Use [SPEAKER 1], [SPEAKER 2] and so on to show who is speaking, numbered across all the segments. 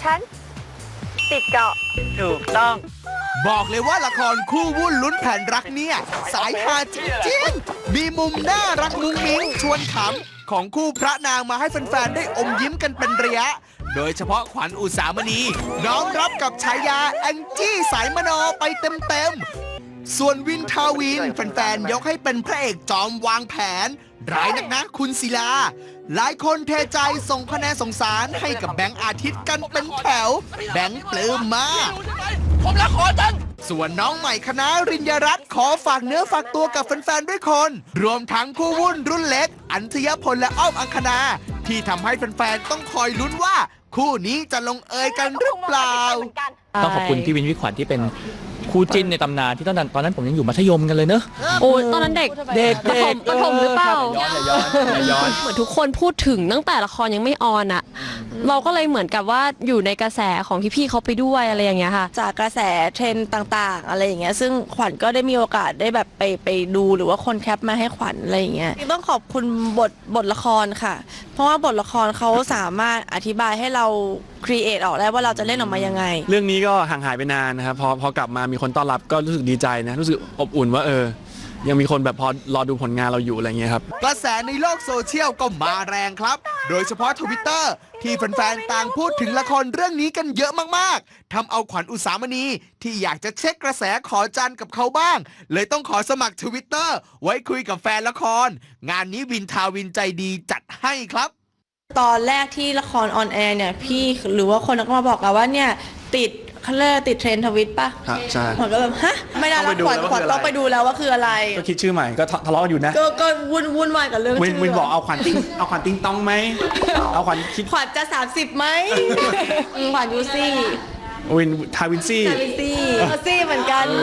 [SPEAKER 1] ฉันติดเกาะ
[SPEAKER 2] ถูกต้อง
[SPEAKER 3] บอกเลยว่าละครคู่วุ่นลุ้นแผนรักเนี่ย สายฮาจริงๆ มีมุมน่ารักมุ้งมิ้งชวนขำของคู่พระนางมาให้แฟนๆ ได้อมยิ้มกันเป็นระยะ โดยเฉพาะขวัญอุสามณีน้อมรับกับฉายาแองจี้สายมโนไปเต็มๆ ส่วนวินทาวินแฟนๆ ยกให้เป็นพระเอกจอมวางแผน ร้ายนักนะคุณศิลา หลายคนเทใจส่งคะแนนสงสารให้กับแบงค์อาทิตย์กันเป็นแถว แบงค์ปลื้มมาก
[SPEAKER 2] ผมรักขอจัง
[SPEAKER 3] ส่วนน้องใหม่คณะริญญารัตน์ขอฝากเนื้อฝากตัวกับแฟนๆ ด้วยคน รวมทั้งคู่วุ่นรุ่นเล็ก อัญชยพลและอ้อมอังคณา ที่ทำให้แฟนๆ ต้องคอยลุ้นว่า คู่นี้จะลงเอยกันหรือเปล่า
[SPEAKER 4] ต้องขอบคุณพี่วินพี่ขวัญที่เป็นคู่จิ้นในตำนานที่ตอนนั้นผมยังอยู่มัธยมกันเลยเนอะ
[SPEAKER 5] โอ้ยตอนนั้นเด็ก ประถมหรือเปล่า
[SPEAKER 4] อย่าย้อน
[SPEAKER 5] เหมือนทุกคนพูดถึงตั้งแต่ละครยังไม่ออนอ่ะ เราก็เลยเหมือนกับว่าอยู่ในกระแสของพี่ๆเขาไปด้วยอะไรอย่างเงี้ยค่ะ
[SPEAKER 6] จากกระแสเทรนด์ต่างๆ อะไรอย่างเงี้ยซึ่งขวัญก็ได้มีโอกาสได้แบบไปดูหรือว่าคนแคปมาให้ขวัญอะไรอย่างเงี้ยต้องขอบคุณบทละครค่ะ เพราะว่าบทละครเขาสามารถอธิบายให้เราครีเอทออกได้ว่าเราจะเล่นออกมายังไง
[SPEAKER 7] เรื่องนี้ก็ห่างหายไปนานนะครับพอกลับมามีคนต้อนรับก็รู้สึกดีใจนะรู้สึกอบอุ่นว่ายังมีคนแบบพอรอดูผลงานเราอยู่อะไรเงี้ยครับ
[SPEAKER 3] กระแสในโลกโซเชียลก็มาแรงครับ โดยเฉพาะทวิตเตอร์ที่แฟนๆ ต่างพูดถึงละครเรื่องนี้กันเยอะมากๆ ทำเอาขวัญอุสามณีที่อยากจะเช็คกระแสขอจันกับเขาบ้าง เลยต้องขอสมัครทวิตเตอร์ไว้คุยกับแฟนละคร งานนี้วินทาวินใจดีจัดให้ครับ
[SPEAKER 6] ตอนแรกที่ละครออนแอร์เนี่ยพี่หรือว่าคนก็มาบอกเราว่าเนี่ยติดเขาเรียกติดเทรนด์ทวิตป่ะ
[SPEAKER 7] ครับใช่
[SPEAKER 6] ขวัญก็แบบฮะไม่ได้
[SPEAKER 7] ต้
[SPEAKER 6] แล้
[SPEAKER 7] องไปดู
[SPEAKER 6] วขวัญ
[SPEAKER 7] แล้ว
[SPEAKER 6] ขวัญ
[SPEAKER 7] ว่าคืออะไร
[SPEAKER 6] ต้องไปดูแล้วว่าคืออะไร
[SPEAKER 7] ก็คิดชื่อใหม่ก็ทะเลาะกันอยู่นะ
[SPEAKER 6] ก็วุ่นวายกับเรื่อง
[SPEAKER 7] วิน
[SPEAKER 6] ชื่อ
[SPEAKER 7] วินบอกเอาขวัญติ้งต้องไหมเอาขวัญคิด
[SPEAKER 6] ขวัญจะ 30ไหม ขวัญยูซี่
[SPEAKER 7] วินทาวินซี่
[SPEAKER 6] ซี่เหมือนกันเลย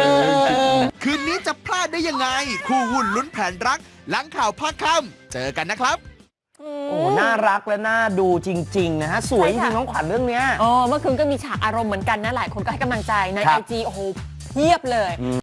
[SPEAKER 3] คืนนี้จะพลาดได้ยังไง คู่วุ่นลุ้นแผนรัก หลังข่าวภาคค่ำเจอกันนะครับ
[SPEAKER 2] โอ้ น่ารักและน่าดูจริง ๆ นะฮะ สวยจริงน้องขวัญเรื่องเนี้ย
[SPEAKER 1] เมื่อคืนก็มีฉากอารมณ์เหมือนกันนะ หลายคนก็ให้กำลังใจใน
[SPEAKER 2] ครั
[SPEAKER 1] IG
[SPEAKER 2] บ
[SPEAKER 1] โอ้โหเพียบเลย